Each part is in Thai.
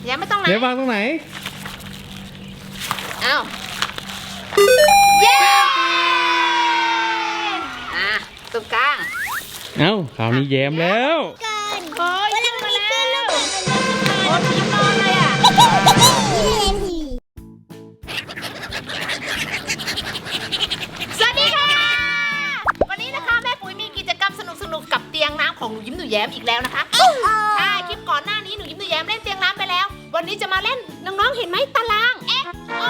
แย้มไม่ต้องไหนเดี๋ยววางตรงไหนเอ้าเย้ตรงกลางเอ้าคราวนี้แย้มแล้วโอ้ยขึ้นมาแล้วโอ้ยยิ้มนอนเลยอ่ะสวัสดีค่ะวันนี้นะคะแม่ปุ๋ยมีกิจกรรมสนุกๆกับเตียงน้ำของหนูยิ้มหนูแย้มอีกแล้วนะคะใช่คลิปก่อนหน้านี้หนูยิ้มหนูแย้มเล่นเตียงน้ำไปแล้ววันนี้จะมาเล่นน้องๆเห็นไหมตาราง XO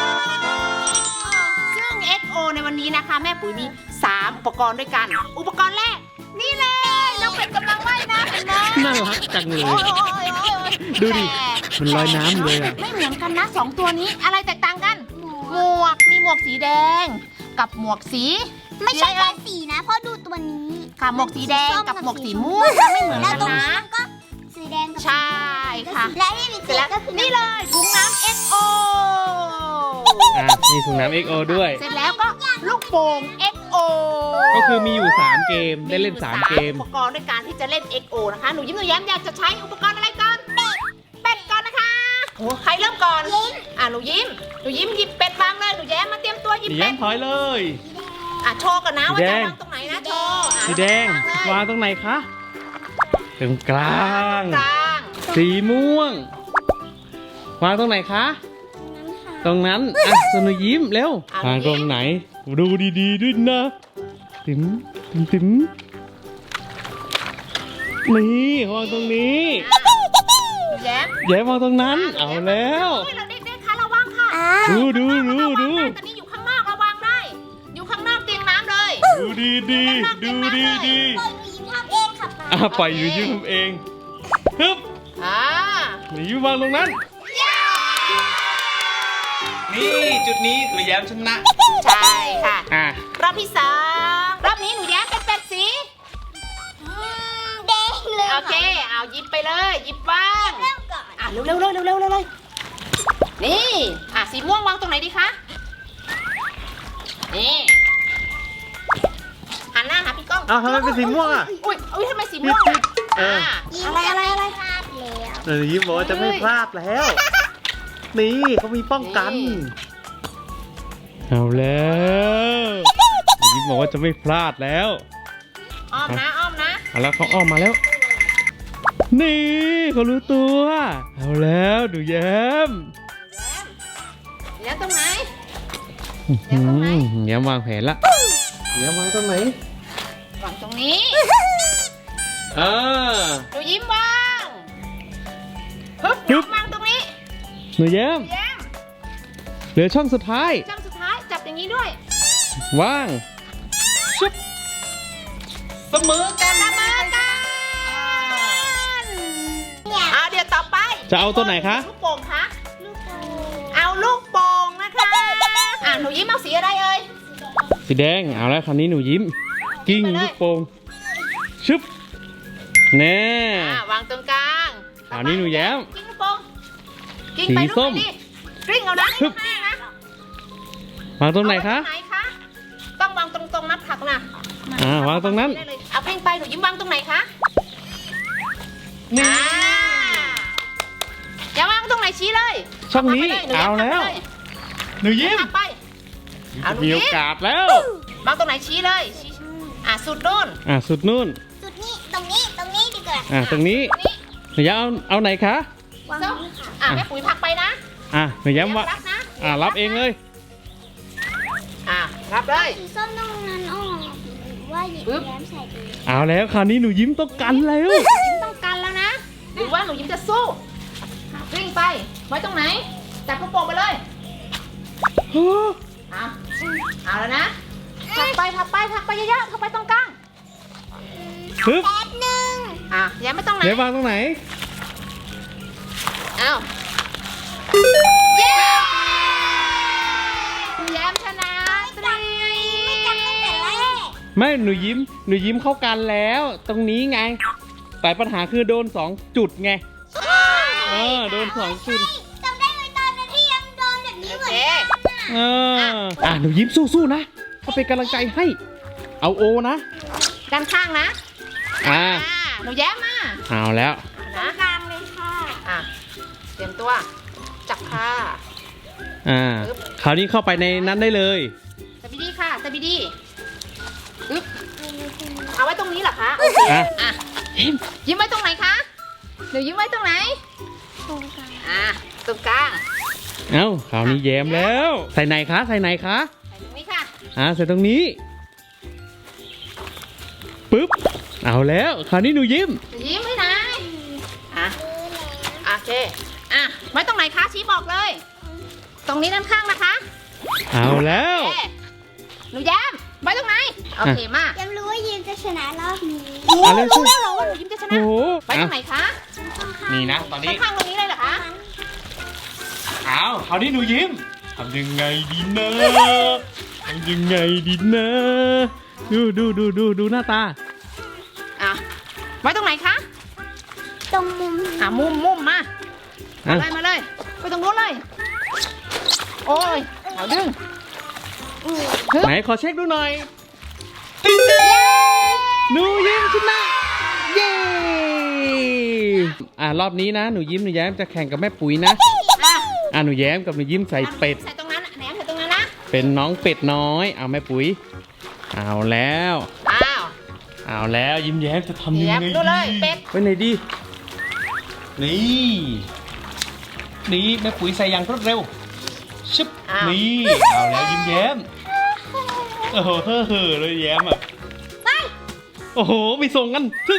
ซึ่ง XO ในวันนี้นะคะแม่ปุ๋ยมี3อุปกรณ์ด้วยกันอุปกรณ์แรกนี่เลยน้องเป็ดกำลังว่ายน้ำเห็นไหมน่ารักจังเลยโอ้ยดูดิ มันลอยน้ำเลยอะไม่เหมือนกันนะ2ตัวนี้อะไรแตกต่างกันหมวกมีหมวกสีแดง กับหมวกสีไม่ใช่แค่สีนะเพราะดูตัวนี้ค่ะหมวกสีแดงกับหมวกสีม่วงไม่เหมือนแล้วกันตรงนี้นะมันก็สีแดงกับใช่ค่ะและที่มีเสร็จแล้วก็คือนี่เลยถุงน้ำ XO มีถุงน้ำ XO ด้วยเสร็จแล้วก็ลูกโป่ง XO ก็คือมีอยู่3เกม ได้เล่น3เกมอุปกรณ์ด้วยการที่จะเล่น XO นะคะหนูยิ้มหนูแย้มอยากจะใช้อุปกรณ์อะไรก่อนเป็ดก่อนนะคะโอ้ใครเริ่มก่อนหนูยิ้มหยิบเป็ดวางเลยหนูแย้มมาเตรียมตัวหยิบสีเป็แย้ดมถอยเลยโชว์ก่อนนะว่าสีแดจะงวางตรงไหนนะโชว์สีแดง วางตรงไหนคะตรงกลางกลางสีม่วง วางตรงไหนคะ ตรงนั้น สนุยิ้มเร็ว วางตรงไหน ดูดีๆด้วยนะติ๋มนี่วางตรงนี้หนูแย้มแย้มวางตรงนั้น เอาแล้วเฮ้ยเราเด็กๆคะระวังค่ะดูตอนนี้อยู่ข้างนอกระวังได้ อยู่ข้างนอกเตียงน้ำเลยดูดีๆดูดีปล่อยหนูยิ้มทำเองค่ะป๊าปล่อยอยู่ยืมเองฮึบอ่าหนูยิ้มวางตรงนั้น นี่จุดนี้คือแย้มชนะใช่ค่ะรอบที่สองรอบนี้หนูแย้มเป็นเป็ดสีแดงเลยโอเค เอาหยิบไปเลยหยิบวางเริ่มก่อนเร็วเลยนี่สีม่วงวางตรงไหนดีคะนี่หันหน้าหาพี่ก้องอ้าวทำไมเป็นสีม่วงอ่ะอุ้ยทำไมสีม่วงเอออะไรพลาดแล้วหนูยิ้มบอกว่าจะไม่พลาดแล้ว นี่เขามีป้องกัน เอาแล้วหนูยิ้มบอกว่าจะไม่พลาดแล้วอ้อมนะเอาแล้วเขาอ้อมมาแล้ว นี่เขารู้ตัว เอาแล้วดูแย้มแล้วตรงไหนแย้มวางแผนละแย้มวางตรงไหนวางตรงนี้อ่าหนูยิ้มวางฮึบวางตรงนี้หนูแย้มแย้มเหลือช่องสุดท้ายจำสุดท้ายจับอย่างนี้ด้วยว่างชุบเสมอกันเสมอกันเดี๋ยวต่อไปจะเอาตัวไหนคะลูกโป่งคะลูกโป่งเอาลูกโป่งนะคะหนูยิ้มเอาสีอะไรเอ่ยสีแดง เอาแล้วคราวนี้หนูยิ้ม กิ้งไปเลยลูกโป่งชึบแน่วางตรงกลางคราวนี้หนูแย้มกิ้งลูกโป่งกิ้งไปสีส้มลูกไปดิกลิ้งเอานะฮึบนะวางตรงไหนคะเอาว้ตรงไหนคะต้องวางตรงๆนับผักนะวางตรงนั้นได้เลยเอากลิ้งไปหนูยิ้มวางตรงไหนคะนี่อย่าวางตรงไหนชี้เลยช่องนี้ผลักไปยเอาแล้ว หนูหนูยิ้ยิ้มมผลักไป เอาหนูมียิ้โอมกาสแล้ววางตรงไหนชี้เลยชี้สุดนู่นสุดนู่นสุดนี้ตรงนี้ดีกว่าตรงนี้นี่หนูแย้มเอาไหนคะวางส้มนี้ค่ะแม่ปุ๋ยผลักไปนะหนูแย้มว่ารับนะรับเองเลยรับเลยสีส้มตรงนั้นออกหรือว่าหยิบปึ๊บแย้มใส่ดีเอาแล้วคราวนี้หนูยิ้มต้องกันแล้วยิ้มต้องกันแล้วนะ หรือว่าหนูยิ้มจะสู้วิ่งไป ไว้ตรงไหน จับลูกโป่งไปเลย เอาแล้วนะผลักไปเยอะๆเข้าไปตรงกลางฮึบแป๊บนึงแย้มไม่ต้องไหนเดี๋ยววางตรงไหนเอาเย้แย้มชนะตรีไม่จำตั้งแต่แรกไม่หนูยิ้มเข้ากันแล้ว ตรงนี้ไง แต่ปัญหาคือโดน2จุดไงโดน2จุดจำได้ไหมตอนนั้นที่ยังโดนแบบนี้เหมือนกันหนูยิ้มสู้ๆนะเขาเป็นกำลังใจให้ เอาโอนะด้านข้างนะอ่าหนูแย้มมาเอาแล้วนะกลางเลยค่ะอ่ะเตรียมตัวจับค่ะคราวนี้เข้าไปในนั้นได้เลยสบิดีค่ะสบิดีอึ๊บเอาไว้ตรงนี้เหรอคะโอเค อ่ะยิ้มไว้ตรงไหนคะเดี๋ยวยิ้มไว้ตรงไหนตรงกลางตรงกลางเอ้าคราวนี้แย้มแล้ว ใส่ไหนคะใส่ไหนคะใส่ตรงนี้ค่ะใส่ตรงนี้ปึ๊บเอาแล้วคราวนี้หนูยิ้มยิ้มให้นายโอเคไว้ตรงไหนคะชี้บอกเลย ตรงนี้ด้านข้างนะคะเอาแล้วโอเคหนูแย้มไว้ตรงไหนโอเคมากยังรู้ว่ายิมจะชนะรอบนี้เอาเลยรู้แล้วเหรอว่าหนูยิ้มจะชนะโอ้โหไว้ตรงไหนคะนี่นะตอนนี้ข้างๆตรงนี้เลยเหรอคะเอาคราวนี้หนูยิ้มทำยังไงดีนะทำยังไงดีนะดูหน้าตาไว้ตรงไหนคะตรงมุมมุมมามาเลยไปตรงนู้นเลยโอ้ยเอาดึงไหนขอเช็คดูหน่อยหนูยิ้มชนะเย้รอบนี้นะหนูยิ้มหนูแย้มจะแข่งกับแม่ปุ๋ยนะหนูแย้มกับหนูยิ้มใส่เป็ดใส่ตรงนั้นแหนมใส่ตรงนั้นนะเป็นน้องเป็ดน้อยเอาแม่ปุ๋ยเอาแล้วเอาแล้วยิ้มแย้มจะทำยังไงดีดูเลยเป็ดไปไหนดีนี่แม่ปุ๋ยใส่อย่างรวดเร็วชึบนี่เอาแล้วยิ้มแย้มโอ้โหเฮ้อเลยแย้มอ่ะโอ้โหมีส่งกันถึง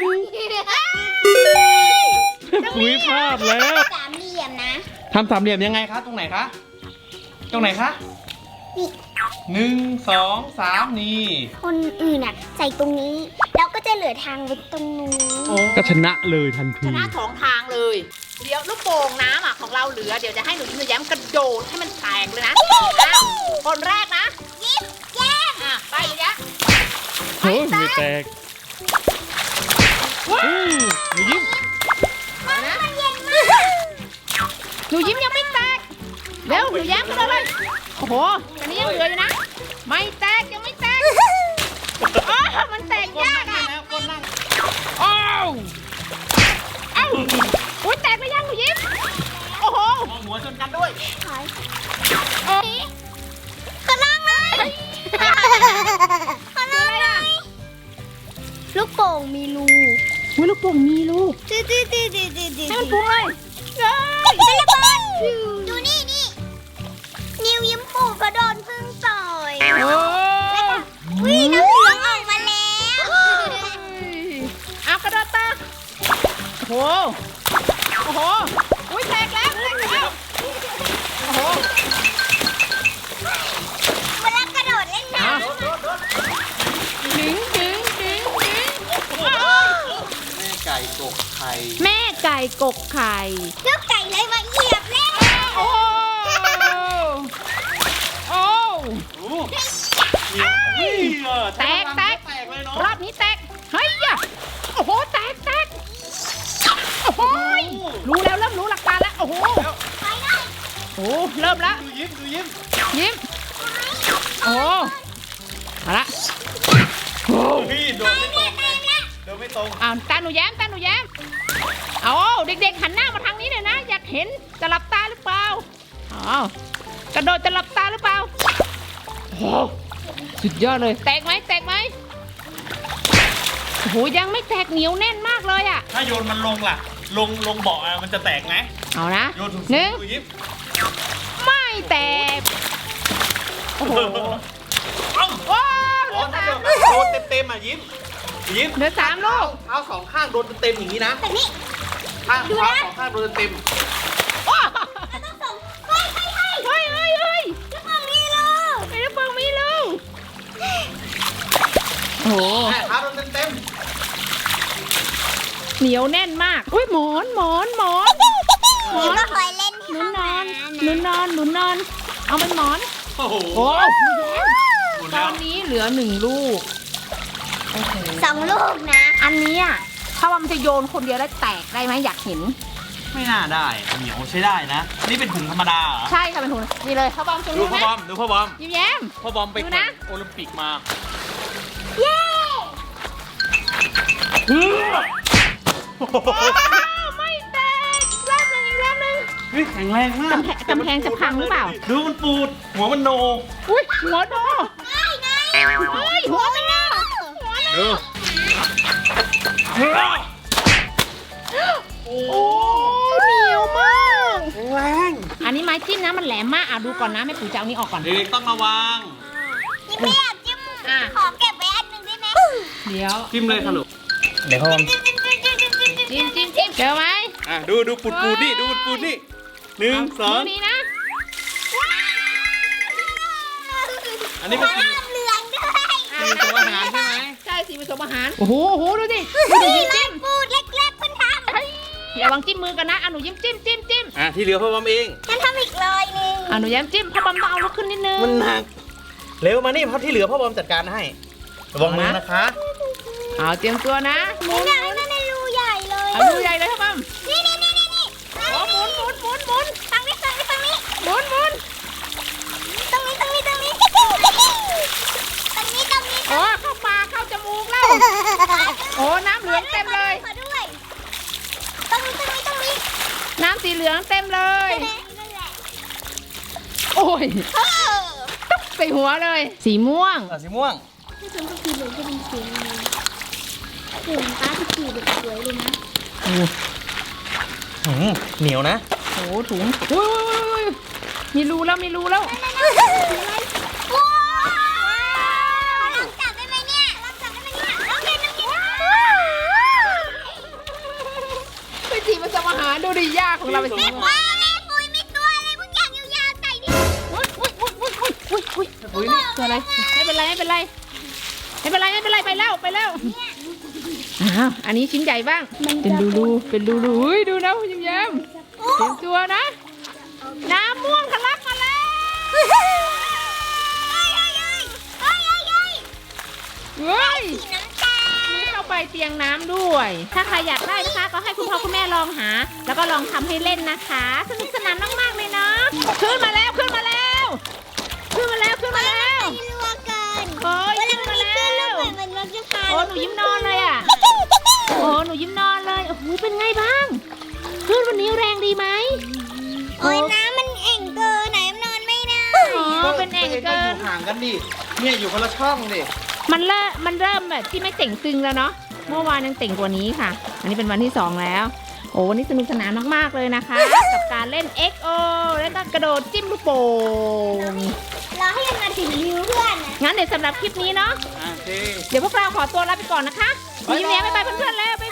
แม่ปุ๋ยพลาดแล้วสามเหลี่ยมนะทำสามเหลี่ยมยังไงคะตรงไหนคะตรงไหนคะนี่ 1 2 3นี่คนอื่นอ่ะใส่ตรงนี้แล้วก็จะเหลือทางไว้ตรงนู้นก็ชนะเลยทันชทีนะสองทางเลย เดี๋ยวลูกโป่งน้ำของเราเหลือเดี๋ยวจะให้หนูยิ้มหนูแย้มกระโดดให้มันแตกเลยนะคนแรกนะยิ้มแย้มไปเลยยะโอ้ยไม่แตกหนูยิ้มหนูยิ้มยังไม่แตกเร็วหนูแย้มกันเลยโอ้โหอันนี้ยังเหลืออยู่นะไม่แตกยังไม่แตกมันแตกยากอุ้ยแตกไปยังหนูยิ้มโอ้โหหัวชนกันด้วยขอลองเลยขอลองเลยลูกโป่งมีรูลูกโป่งมีลูกจืดให้มันพุ่งเลยเป็นระเบิดดูนี่นิวยิ้มปู่ก็โดนพึ่งต่อย วิ่งน้ำเหลืองออกมาแล้วเอากระโดดตาโอ้โหอุ้ยแตกแล้วโอ้โหเวลากระโดดเล่นน้ำดึงแม่ไก่กกไข่แม่ไก่กกไข่เจ้าไก่เลยมาเหยียบแล้วโอ้แตกเลยเนาะรอบนี้แตกเฮ้ยโอ้โหแตกโอ้โหรู้แล้วเริ่มรู้หลักการแล้วโอ้โหโอ้เริ่มแล้วดูยิ้มยิ้มโอ้เอาละพี่โดนไม่ตรงโดนไม่ตรงตาหนูแย้มเอาเด็กๆหันหน้ามาทางนี้เลยนะอยากเห็นจะหลับตาหรือเปล่ากระโดดจะหลับตาหรือเปล่าโอ้สุดยอดเลยแตกไหมโอ้โหยังไม่แตกเหนียวแน่นมากเลยอ่ะถ้าโยนมันลงล่ะลงเบาะมันจะแตกไหมเอานะโยนถูกหนึ่งดูยิ้มไม่แตกโอ้โหเอ้าว้าวอ๋อถ้าโดนเต็มยิ้มเหลือ3 ลูกเท้าสองข้างโดนเต็มอย่างนี้นะแบบนี้ข้างเท้าสองข้างโดนเต็มว้าวแล้วต้องส่งเฮ้ยเฮ้ยลูกโป่งมีรูไอ้ลูกโป่งมีลูกโอ้โหเท้าโดนเต็มเหนียวแน่นมากอุ้ยหมอนยิ้มก็เคยเล่นที่หนุห้อน งนอนน้ำหนุนนอนเอาเป็นหมอนโอ้โหโอ้ตอนนี้เหลือ1 ลูก 2 ลูกนะอันนี้ถ้าว่ามันจะโยนคนเดียวแล้วแตกได้ไหมอยากเห็นไม่น่าได้เหนียวใช้ได้นะ นี่เป็นถุงธรรมดาเหรอใช่ค่ะเป็นถุงนี่เลยพ่อบอมจะดูรู้พ่ไหอมบอมดูพ่อบอมยิ้มแย้มพ่อบอมไปดูแข่นะงโอลิมปิกมาเย้ไม่แตกอีกรอบหนึ่งเฮ้ยแข็งแรงมากกำแพงจะพังหรือเปล่าดูมันปูด หัวมันโนอุ้ยหัวโดไงเฮ้ยหัวมันโดดูโอ้เหนียวมากแข็งแรงอันนี้ไม้จิ้มนะมันแหลมมากดูก่อนนะแม่ปุ๋ยจะเอานี้ออกก่อนเด็กๆต้องระวังนี่ไม่อยากจิ้มขอเก็บไว้อันหนึ่งได้ไหมเดี๋ยวจิ้มเลยค่ะลูกเดี๋ยวพ่อจิ้มเจอไหมดูปูดนี่ ดูปูดนี่1 2 มือนี้นะอันนี้เป็นสีน้ำเหลืองด้วยสีผสมอาหารใช่ไหมใช่สีผสมอาหารโอ้โหดูดินี่จิ้มันมปูดเล็กๆคุณทำระวังจิ้มมือกันนะหนูยิ้มจิ้มที่เหลือพ่อบอมเองฉันทำอีกเลยนึงหนูแย้มจิ้มพ่อบอมต้องเอาลุกขึ้นนิดนึงมันหนัก เร็วมานี่เพราะที่เหลือพ่อบอมจัดการให้ ระวังมือนะคะเอาเตรียมตัวนะนี่ไงมันในรูใหญ่เลยเอาดูใหญ่เลยพ่อบอมนี่โอ้หมุนฝั่งนี้ฝั่งนี้ฝั่งนี้หมุนตรงนี้ตรงนี้ตรงนี้โอ้เข้าปากเข้าจมูกแล้วโอ้น้ำเหลืองเต็มเลยขอด้วยตรงนี้น้ำสีเหลืองเต็มเลยนั่นแหละโอ้ยตุ๊บใส่หัวเลย สีม่วงสีม่วงที่ฉันก็คือเหลืองก็เป็นสีเหลืองตาที่สีแบบสวยเลยนะเหนียวนะโอ้ถุงอุ้ยมีรูแล้วว้าวลองจับได้ไหมเนี่ยลองกินไปจีบผสมอาหารดูดิยากของเราไปสิว้าวแม่ปุ้ยมีตัวอะไรพวกอย่างยาวๆใส่ดิอุ้ยตัวอะไรไม่เป็นไรไปแล้วอ้าวอันนี้ชิ้นใหญ่บ้างเป็นรูอุ้ยดูนะคุณยิ้มเตรียมตัวนะน้ำม่วงทะลักมาแล้วเฮ้ยสีน้ำตาลนี่เข้าไปเตียงน้ำด้วย ถ้าใครอยากได้นะคะ ก็ให้คุณพ่อคุณแม่ลองหา แล้วก็ลองทำให้เล่นนะคะสนุกสนานมากๆเลยเนาะขึ้นมาแล้วไม่รัวเกินโอ้ยเวลาขึ้นมันมามีแล้คลื่นลูกวเหมือนมันจะพาโอ้หนูยิ้มนอนเลยอ่ะโอ้หนูยิ้มนอนเลยโอ้โหเป็นไงบ้างคลื่นวันนี้แรงดีไหมโอ้ยน้ำมันเอ่งเกินไหนมันนอนไม่ได้อ๋อเป็นแอ่งเกินห่างกันดิ เนี่ยอยู่คนละช่องดิมันเริ่มแบบที่ไม่เต่งตึงแล้วเนาะเมื่อวานยังเต่งกว่านี้ค่ะ อันนี้เป็นวันที่2แล้วโอ้วันนี้สนุกสนานมากๆเลยนะคะ กับการเล่น XO แล้วก็กระโดดจิ้มลูกโป่งรอให้มันมาถึงริ้วเพื่อนนะงั้นเดี๋ยวสำหรับคลิปนี้เนาะโอเคเดี๋ยวพวกเราขอตัวลาไปก่อนนะคะบ๊ายบายยิ้มแย้มบ๊ายบายเพื่อนๆแล้ว